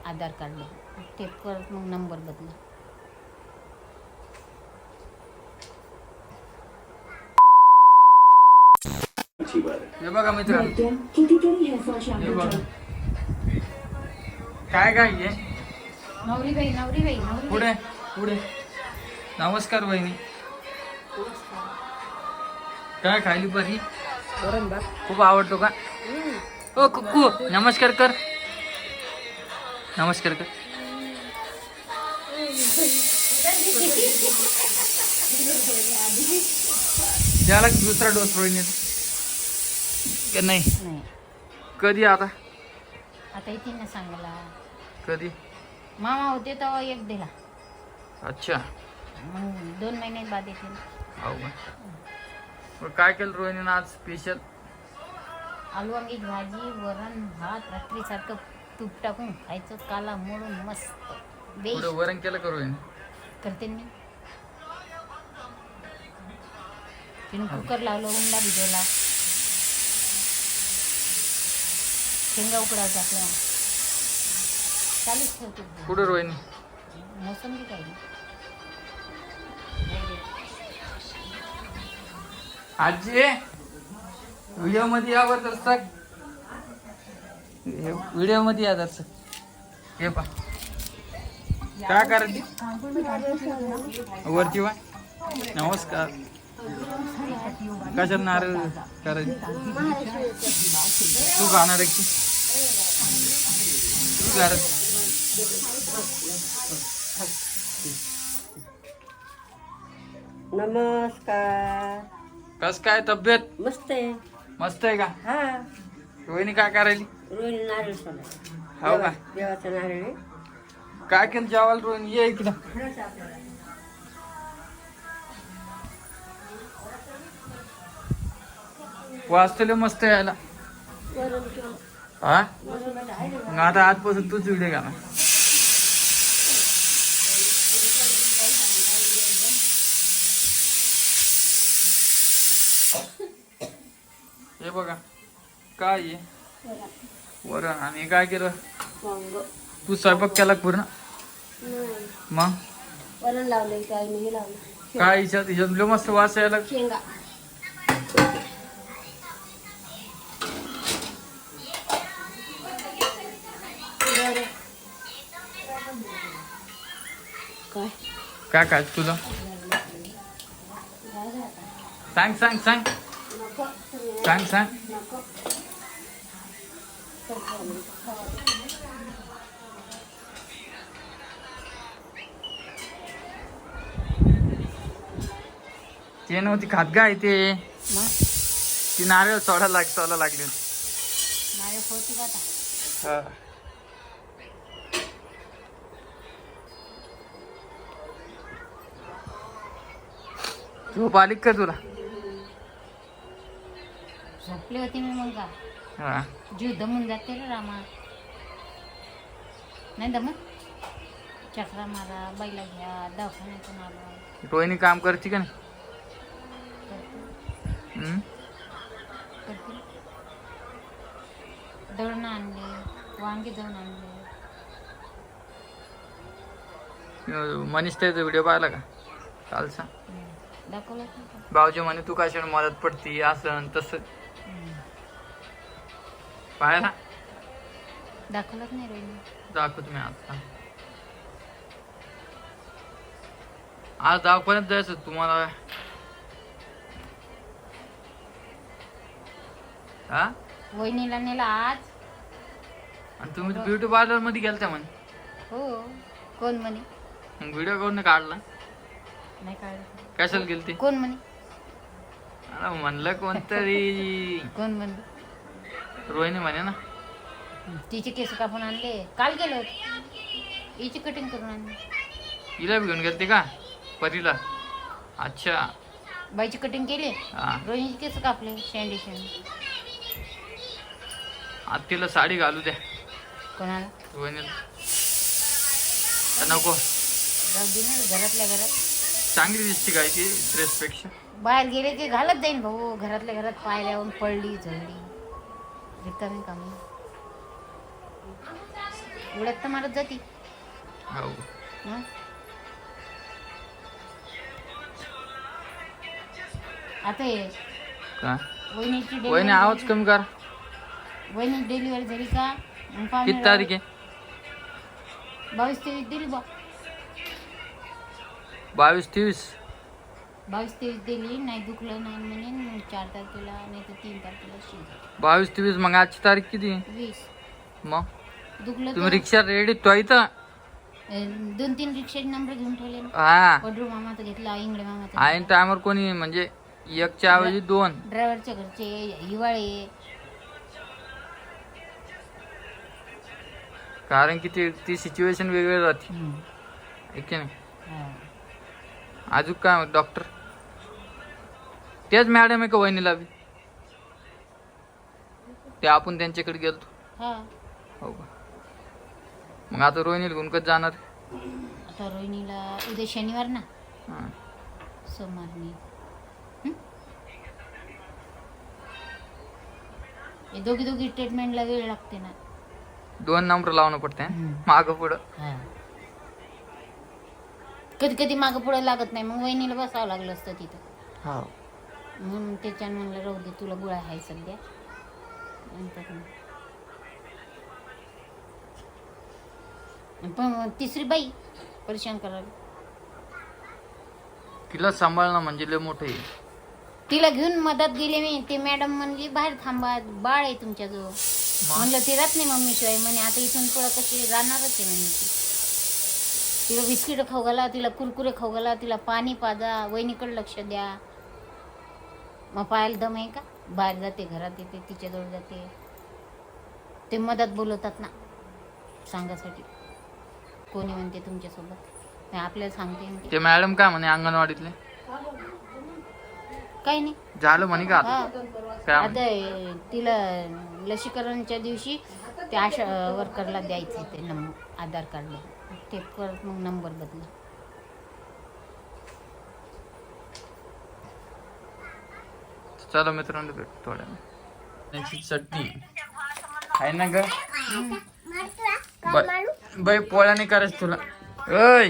आधार card ते परत मग नंबर बदला. हे बघा मित्रांनो, हे बघा काय काय आहे. नवरी पुढे पुढे. नमस्कार बहिणी. काय खायली बरी? खूप आवडतो का? ओ कुक्कू नमस्कार कर. नमस्कार कर. त्याला दुसरा डोस रोहिणीचा का नाही? कधी आता येते ना सांगायला. कधी? मामा होते तेव्हा एक दिला. अच्छा, मग 2 महिने बाद येते. हो का? काय केलं रोहिणीनं आज स्पेशल? आलू वांग्याची भाजी, वरण भात, रात्रीसारखं तूप टाकून खायचं, काला मोडून मस्त बेश. पुढे वरण केलं का रोहिणी? करते मी. तिने कुकर लावलं, उंडा भिजवला, शेंगा उकडाव टाकल्या, चालूच ठेवते. कुठे रोहिणी? मोसंबी काही नाही. आजी व्हिडिओ मध्ये यावर दर्शक, व्हिडिओ मध्ये या दर्शक. हे पा काय करायची वरती वा. नमस्कार. कशा नारळ करायची? तू खाणार आहे की तू घरात? नमस्कार. कस काय तब्येत? मस्त आहे. मस्त आहे का? हा, रोहिणी काय करायली? रोहिणी नारळ सोडा. हो का? देवाचा नारळ आहे. काय केलं जेवायला रोहिणी? ये इकडं. वाचतले मस्त यायला. हा मग आता आजपासून तूच व्हिडिओ घाला. हे बघा काय आहे वरण. आणि काय केलं तू? स्वयंपाक केला पूर्ण? मग वरण लावलंय, काय नाही लावलं. काय हिच्यात मस्त वास यायला. शेंगा. काय काय काय तुला सांग सांग सांग सांग सांग. ते नव्हती खात गाय ते. ती नारळ सोडायला लागली होती. नारळ फोडती का आता? हा. झोप आली का तुला? झोपली होती मी मग का. हा. जीव दमून जाते रे रामा. नाही दमत. चक्रा मारा, बाईला घ्या, दवाखान्यातून आलो. रोहिणी काम करते का नाही? करते. दळणं आणले, वांगे जाऊन आणले. मनीष त्याचा व्हिडिओ पाहिला का कालचा? दाखवलं. भाऊजी म्हणे तू कशाने मदत पडती असं तसं. पाहिला? दाखवलंच नाही रोहिणी. दाखवत मी आता. आज दवाखान्यात जायचं तुम्हाला. हा वहिनीला नेला आज. आणि तुम्ही ब्युटी पार्लर मध्ये गेलता म्हणे. हो. कोण म्हणे? मग व्हिडिओ कोण काढला? नाही काढलं. कशाला गेलती? कोण म्हणे? म्हणलं कोणतरी. कोण म्हणलं? रोहिणी म्हणे ना. तिचे केस कापून आणले. काल गेलो हिची कटिंग करून आणली. हिला घेऊन गेलते का परीला? अच्छा. बाईची कटिंग केली. हा. रोहिणीचे केस कापले. शेंडी शेंडी. आता तिला साडी घालू द्या. कोणाला? रोहिणीला. नको जाऊ दे ना. घरातल्या घरात चांगली दिसते काय ती ड्रेस पेक्षा. बाहेर गेले की घालत जाईन भाऊ. घरातल्या घरात पायऱ्यावरून पडली झडली रिकामी कामी. उड्यात तर मारत जाती हो हं? आता हे का वहिनीची वहिनी डिलिव्हरी आवाज कमी कर. वहिनी डिलिव्हरी झाली का मग पाहुणे किती तारीख आहे? 22-23 दिली बा 22-23. 22-23 दिली नाही दुखलं नाही म्हणे मग 4 तारखेला नाही तर 3 तारखेला शिव 22-23 मग आजची तारीख किती आहे? 20 मग दुखलं तुम्ही तर रिक्षा रेडी तो इथं 2-3 रिक्षाचे नंबर घेऊन ठेवले ना हा पडरू मामाचा घेतला इंगळे मामाचा आहे टायमर कोणी म्हणजे एकच्या ऐवजी 2. ड्रायव्हरच्या घरचे हिवाळे कारण की ती सिच्युएशन वेगळी राहते आहे की नाही. अजून काय डॉक्टर तेच मॅडम आहे का वहिनीला बी ते आपण त्यांच्याकडे गेलतो. हा हो का मग आता रोहिणीला घेऊन कधी जाणार? आता रोहिणीला उद्या शनिवार ना हा. सोमवार नाही हे दोघी ट्रीटमेंटला वेळ लागते ना 2 नंबर लावणं पडते माग पुढं. कधी कधी मागं पुढे लागत नाही मग वहिनीला बसावं लागलं असतं तिथं हो म्हणून त्याच्यानं म्हणलं राहू दे तुला गोळ्या आहे सध्या नंतर मग. पण तिसरी बाई परेशान करायला तिला सांभाळणं म्हणजे लय मोठं आहे. तिला घेऊन मदत गेली मी ती मॅडम म्हणली बाहेर थांबा बाळ आहे तुमच्याजवळ म्हणलं ती राहत नाही मम्मी शिवाय म्हणे आता इथून पुढं कशी राहणारच आहे म्हणे ती तिला बिस्किट खाऊ घाला तिला कुरकुरे खाऊ घाला तिला पाणी पाजा वहिनीकडे लक्ष द्या मग पाहायला दम आहे का बाहेर जाते घरात येते तिच्याजवळ जाते ते मदत बोलवतात ना सांगासाठी कोणी म्हणते तुमच्यासोबत नाही आपल्याला सांगते म्हणते. ते मॅडम काय म्हणे अंगणवाडीतले काही नाही झालं म्हणे का हा आता? काय म्हणे? आता तिला लसीकरणच्या दिवशी त्या आशा वर्करला द्यायचं ते नंबर आधार कार्ड ते परत मग नंबर बदला चला मित्रांनो भेटू थोड्या त्यांची चटणी आहे ना ग बाई पोळ्या नाही करायचं तुला ऐ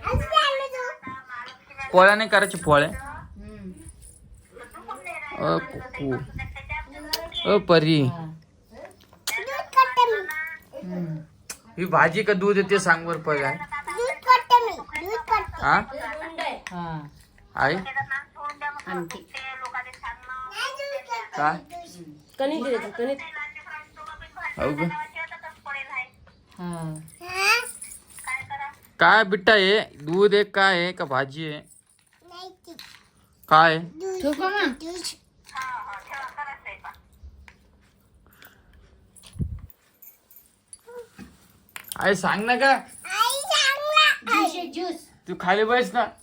पोळ्या नाही करायची पोळ्या कुकू परी ही भाजी का दूध येते सांग बर पहिला हा आई आणते काय कणिक दिले कणिक हो ग हा काय बिट्टा आहे दूध आहे काय आहे का भाजी आहे काय आहे? ठेवू का मग आई सांग ना का ज्यूस आहे, ज्यूस तू खाली बस ना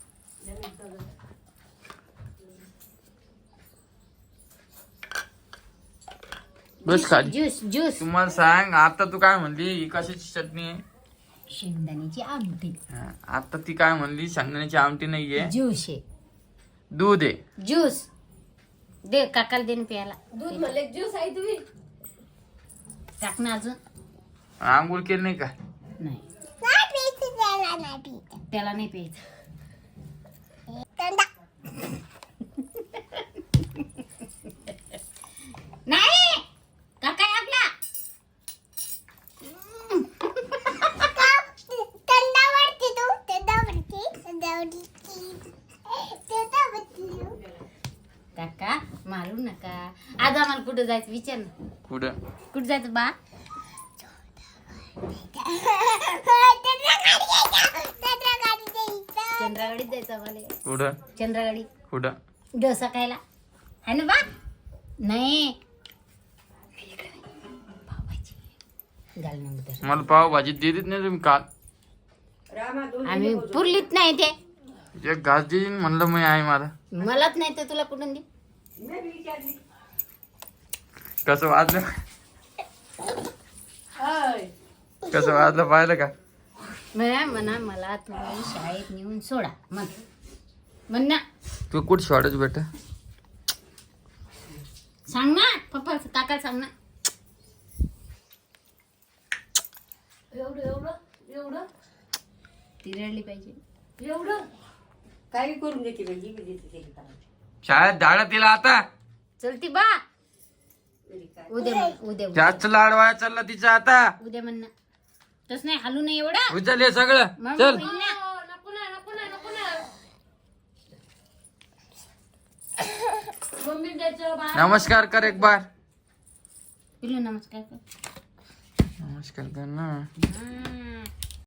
बस खाली ज्यूस ज्यूस तुम्हाला सांग आता तू काय म्हणली ही कशाची चटणी आहे शेंगदाण्याची आमटी हा, आता ती काय म्हणली शेंगदाण्याची आमटी नाहीये ज्यूस आहे दूध आहे ज्यूस दे काकाला देन प्यायला दूध म्हणले ज्यूस आहे तुम्ही टाक ना अजून आंघोळ केली नाही का नाही त्याला नाही प्यायचं नाही काका आहे आपला काका मारू नका आज आम्हाला कुठं जायचं विचार ना कुठं कुठं जायचं बा चंद्रागाडीत जायचं आम्हाला कुठं चंद्रागाडी कुठं डोसा खायला है ना बा नाही घाल नंतर मला पाव भाजी देत नाही तुम्ही काल आम्ही पुरलीत नाही ते एक घास देईन म्हणलं मी आहे मला मलाच नाही तर तुला कुठून दे कसं वाजलं कसं वाजलं पाहिलं का म्हणा मला तुम्ही शाळेत नेऊन सोडा म्हण ना तू कुठं शॉर्टच बेटा सांग ना पप्पा काका सांग ना एवढं एवढं एवढं ती रडली पाहिजे. एवढं काही करून देते बाई, जी बी देते ते करायचं. शाळेत धाडा तिला आता. चलती बा तरी काय. उद्या जास्त लाडवाया चालला तिचा आता. उद्या म्हणणं तस नाही हालू नाही एवढा. उचल हे सगळं मग चल. होईल ना. नको ना नको ना नको ना मम्मी द्यायचं बा. नमस्कार कर एक बार. पिल्लू नमस्कार कर. नमस्कार कर ना. हम्म.